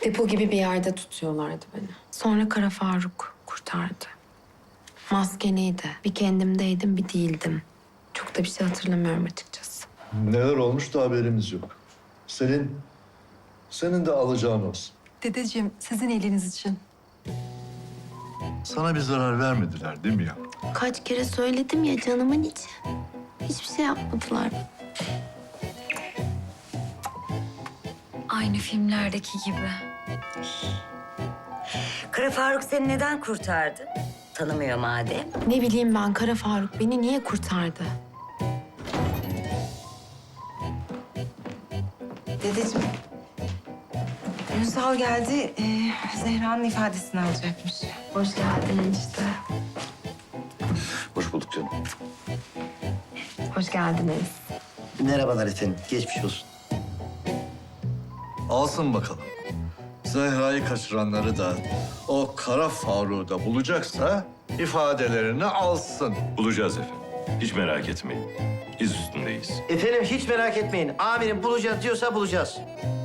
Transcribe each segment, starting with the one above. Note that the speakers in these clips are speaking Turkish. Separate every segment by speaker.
Speaker 1: Depo gibi bir yerde tutuyorlardı beni. Sonra Kara Faruk kurtardı. Maskeliydi. Bir kendimdeydim, bir değildim. Çok da bir şey hatırlamıyorum açıkçası.
Speaker 2: Neler olmuş da haberimiz yok. Senin de alacağın olsun.
Speaker 3: Dedeciğim, sizin iyiliğiniz için.
Speaker 2: Sana bir zarar vermediler değil mi ya?
Speaker 1: Kaç kere söyledim ya canımın içi. Hiçbir şey yapmadılar.
Speaker 4: Aynı filmlerdeki gibi.
Speaker 5: Kara Faruk seni neden kurtardı? Tanımıyor madem.
Speaker 1: Ne bileyim ben, Kara Faruk beni niye kurtardı?
Speaker 6: Dedeciğim, Ünsal geldi. Zehra'nın ifadesini alacakmış.
Speaker 1: Hoş geldin enişte.
Speaker 7: Hoş bulduk canım.
Speaker 1: Hoş geldiniz.
Speaker 8: Merhabalar efendim, geçmiş olsun.
Speaker 2: Alsın bakalım. Zehra'yı kaçıranları da o Kara Faruk'u da bulacaksa ifadelerini alsın.
Speaker 7: Bulacağız efendim. Hiç merak etmeyin. İz üstündeyiz.
Speaker 8: Efendim hiç merak etmeyin. Amirim bulacağız diyorsa bulacağız.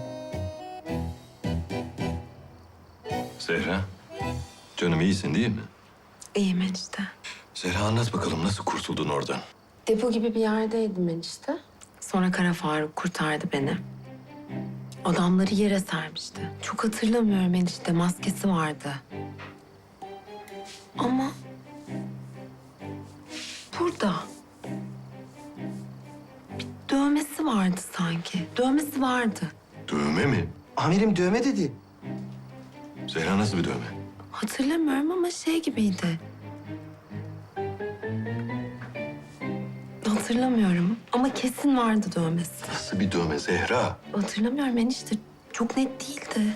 Speaker 7: Zehra, canım iyisin değil mi?
Speaker 1: İyiyim enişte.
Speaker 7: Zehra anlat bakalım nasıl kurtuldun oradan?
Speaker 1: Depo gibi bir yerdeydim enişte. Sonra Kara Faruk kurtardı beni. Adamları yere sermişti. Çok hatırlamıyorum enişte, maskesi vardı. Ama burada bir dövmesi vardı sanki. Dövmesi vardı.
Speaker 7: Dövme mi?
Speaker 8: Amirim dövme dedi.
Speaker 7: Zehra nasıl bir dövme?
Speaker 1: Hatırlamıyorum ama şey gibiydi. Hatırlamıyorum ama kesin vardı dövmesi.
Speaker 7: Nasıl bir dövme Zehra?
Speaker 1: Hatırlamıyorum enişte. Çok net değildi.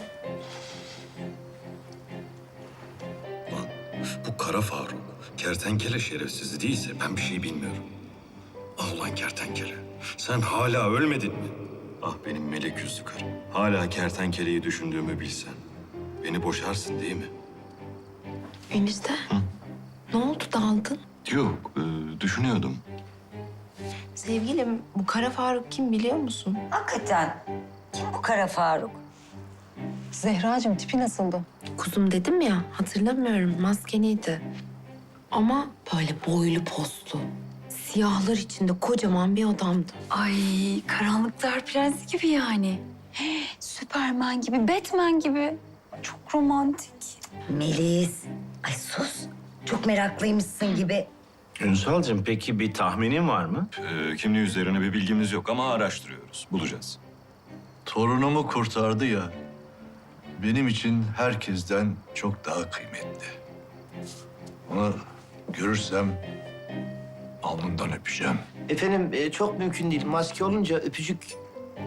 Speaker 7: Lan bu Kara Faruk, kertenkele şerefsizi değilse ben bir şey bilmiyorum. Ah ulan kertenkele, sen hala ölmedin mi? Ah benim melek yüzlü karım. Hala kertenkeleyi düşündüğümü bilsen. Beni boşarsın değil mi?
Speaker 1: Enişte. Ne oldu, daldın?
Speaker 7: Yok, düşünüyordum.
Speaker 6: Sevgilim, bu Kara Faruk kim biliyor musun?
Speaker 5: Hakikaten. Kim bu Kara Faruk?
Speaker 3: Zehracığım, tipi nasıldı?
Speaker 1: Kuzum dedim ya, hatırlamıyorum. Maskeliydi. Ama böyle boylu postlu. Siyahlar içinde kocaman bir adamdı.
Speaker 4: Ay, karanlıklar prensi gibi yani. Süperman gibi, Batman gibi. Çok romantik.
Speaker 5: Melis. Ay sus. Çok meraklıymışsın gibi.
Speaker 9: Ünsal'cığım peki bir tahminin var mı?
Speaker 7: Kimliği üzerine bir bilgimiz yok ama araştırıyoruz. Bulacağız.
Speaker 2: Torunumu kurtardı ya. Benim için herkesten çok daha kıymetli. Onu görürsem alnından öpeceğim.
Speaker 8: Efendim çok mümkün değil. Maske olunca öpücük...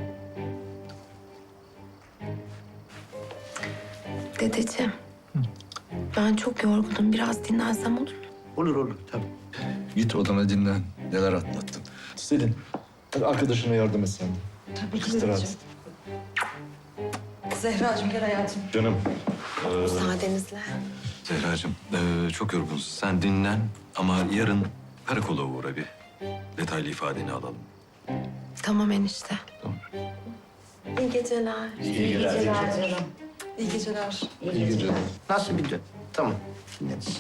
Speaker 1: Dedeciğim. Ben çok yorgunum. Biraz dinlensem olur mu?
Speaker 8: Olur olur tabii.
Speaker 2: Git odana dinlen. Neler atlattın. Selin, hadi arkadaşına yardım et sen de.
Speaker 3: Tabii ki
Speaker 2: İstirahat.
Speaker 3: dedeciğim. Zehracığım, gel hayatım.
Speaker 7: Canım.
Speaker 1: Müsaadenizle.
Speaker 7: Zehracığım, çok yorgunsun. Sen dinlen ama yarın karakola uğra bir. Detaylı ifadeni alalım.
Speaker 1: Tamam enişte.
Speaker 7: Tamam.
Speaker 1: İyi geceler.
Speaker 3: İyi geceler.
Speaker 2: İyi geceler.
Speaker 8: Nasıl bir dön? Tamam, dinleriz.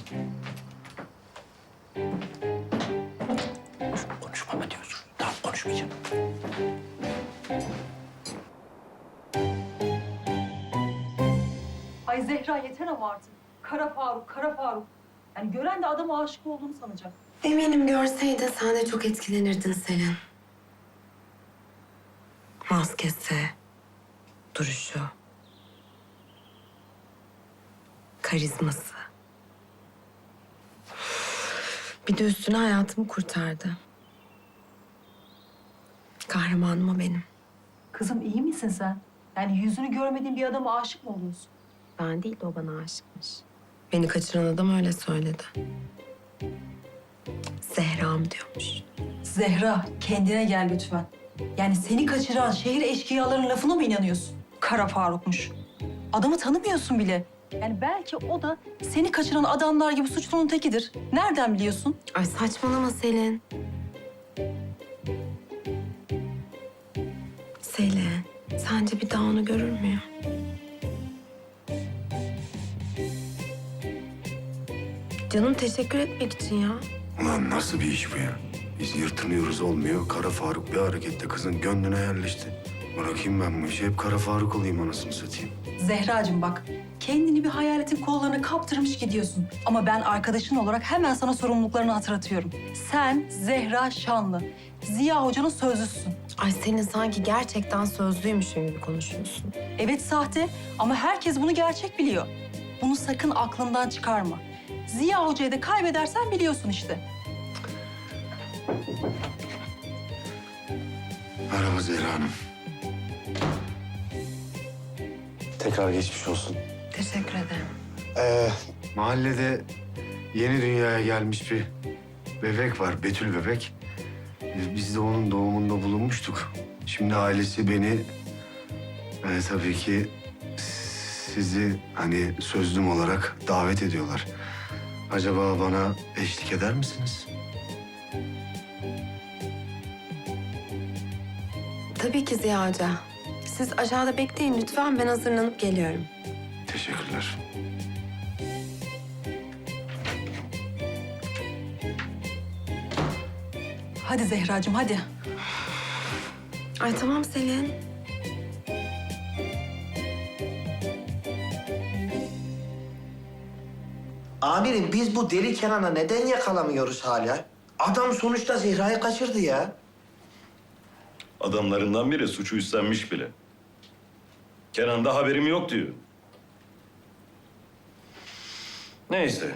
Speaker 8: Konuşma mı diyorsun? Tamam, konuşmayacağım.
Speaker 10: Ay Zehra yeter ama artık. Kara Faruk, Kara Faruk. Yani gören de adama aşık olduğunu sanacak.
Speaker 1: Eminim görseydin sen de çok etkilenirdin Selin. Maskesi, duruşu, karizması. Bir de üstüne hayatımı kurtardı. Kahramanım o benim.
Speaker 10: Kızım iyi misin sen? Yani yüzünü görmediğin bir adama aşık mı oluyorsun?
Speaker 1: Ben değil de o bana aşıkmış. Beni kaçıran adam öyle söyledi. Zehra'm diyormuş.
Speaker 10: Zehra kendine gel lütfen. Yani seni kaçıran şehir eşkıyalarının lafına mı inanıyorsun? Kara Faruk'muş. Adamı tanımıyorsun bile. Yani belki o da seni kaçıran adamlar gibi suçlunun tekidir. Nereden biliyorsun?
Speaker 1: Ay saçmalama Selin. Selin, sence bir daha onu görür müyüm? Canım teşekkür etmek için ya.
Speaker 11: Ulan nasıl bir iş bu ya? Biz yırtınıyoruz olmuyor. Kara Faruk bir harekette kızın gönlüne yerleşti. Bırakayım ben bu işi. Hep Kara Faruk olayım anasını satayım.
Speaker 10: Zehracığım bak, kendini bir hayaletin kollarına kaptırmış gidiyorsun. Ama ben arkadaşın olarak hemen sana sorumluluklarını hatırlatıyorum. Sen Zehra Şanlı, Ziya Hoca'nın sözlüsün.
Speaker 1: Ay senin sanki gerçekten sözlüymüşün gibi konuşuyorsun.
Speaker 10: Evet sahte ama herkes bunu gerçek biliyor. Bunu sakın aklından çıkarma. Ziya Hoca'yı da kaybedersen biliyorsun işte.
Speaker 11: Merhaba Zehra Hanım. Tekrar geçmiş olsun.
Speaker 1: Teşekkür ederim.
Speaker 11: Mahallede yeni dünyaya gelmiş bir bebek var. Betül bebek. Biz de onun doğumunda bulunmuştuk. Şimdi ailesi beni tabii ki sizi hani sözlüm olarak davet ediyorlar. Acaba bana eşlik eder misiniz?
Speaker 1: Tabii ki Ziya Hoca. Siz aşağıda bekleyin lütfen. Ben hazırlanıp geliyorum.
Speaker 11: Teşekkürler.
Speaker 10: Hadi Zehracığım hadi.
Speaker 1: Ay tamam Selin.
Speaker 8: Amirim biz bu deli Kenan'ı neden yakalamıyoruz hala? Adam sonuçta Zehra'yı kaçırdı ya.
Speaker 7: Adamlarından biri suçu üstlenmiş bile. Kenan da haberim yok diyor. Neyse.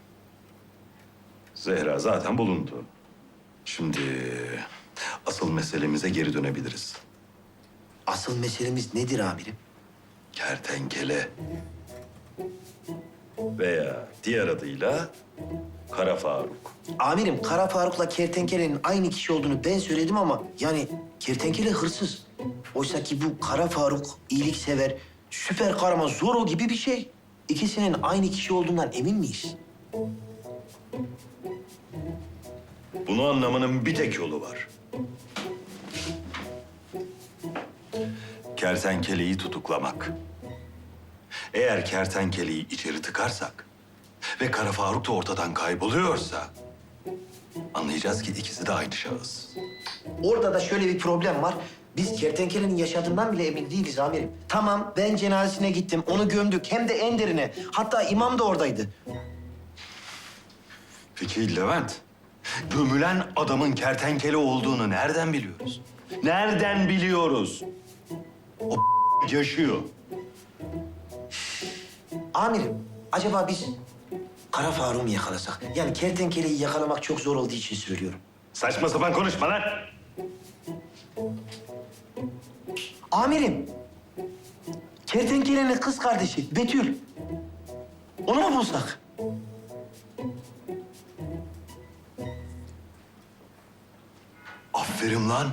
Speaker 7: Zehra zaten bulundu. Şimdi asıl meselemize geri dönebiliriz.
Speaker 8: Asıl meselemiz nedir amirim?
Speaker 7: Kertenkele. Veya diğer adıyla Kara Faruk.
Speaker 8: Amirim Kara Faruk'la Kertenkele'nin aynı kişi olduğunu ben söyledim ama yani Kertenkele hırsız. Oysa ki bu Kara Faruk iyiliksever, süper kahraman Zorro gibi bir şey. İkisinin aynı kişi olduğundan emin miyiz?
Speaker 7: Bunu anlamanın bir tek yolu var. Kertenkeleyi tutuklamak. Eğer kertenkeleyi içeri tıkarsak ve Kara Faruk da ortadan kayboluyorsa anlayacağız ki ikisi de aynı şahıs.
Speaker 8: Orada da şöyle bir problem var. Biz Kertenkele'nin yaşadığından bile emin değiliz amirim. Tamam ben cenazesine gittim, onu gömdük hem de en derine. Hatta imam da oradaydı.
Speaker 7: Peki Levent, gömülen adamın kertenkele olduğunu nereden biliyoruz? Nereden biliyoruz? O yaşıyor.
Speaker 8: Amirim, acaba biz Kara Faruk'u mu yakalasak? Yani Kertenkele'yi yakalamak çok zor olduğu için söylüyorum.
Speaker 7: Saçma sapan konuşma lan.
Speaker 8: Amirim, Kertenkele'nin kız kardeşi Betül. Onu mu bulsak?
Speaker 7: Aferin lan.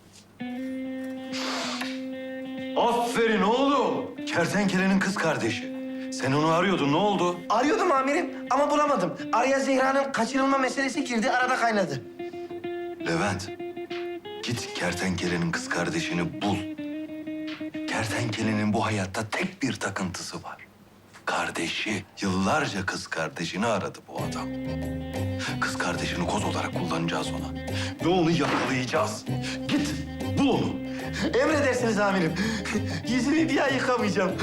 Speaker 7: Aferin oğlum. Kertenkelenin kız kardeşi. Sen onu arıyordun, ne oldu?
Speaker 8: Arıyordum amirim ama bulamadım. Araya Zehra'nın kaçırılma meselesi girdi, arada kaynadı.
Speaker 7: Levent, git kertenkelenin kız kardeşini bul. Kertenkelenin bu hayatta tek bir takıntısı var. Kardeşi. Yıllarca kız kardeşini aradı bu adam. Kız kardeşini koz olarak kullanacağız ona. Ve onu yakalayacağız. Git, bul onu.
Speaker 8: Emredersiniz amirim. Yüzümü bir ay yıkamayacağım.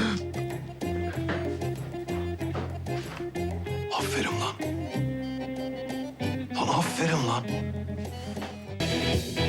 Speaker 7: Aferin lan. Lan aferin lan.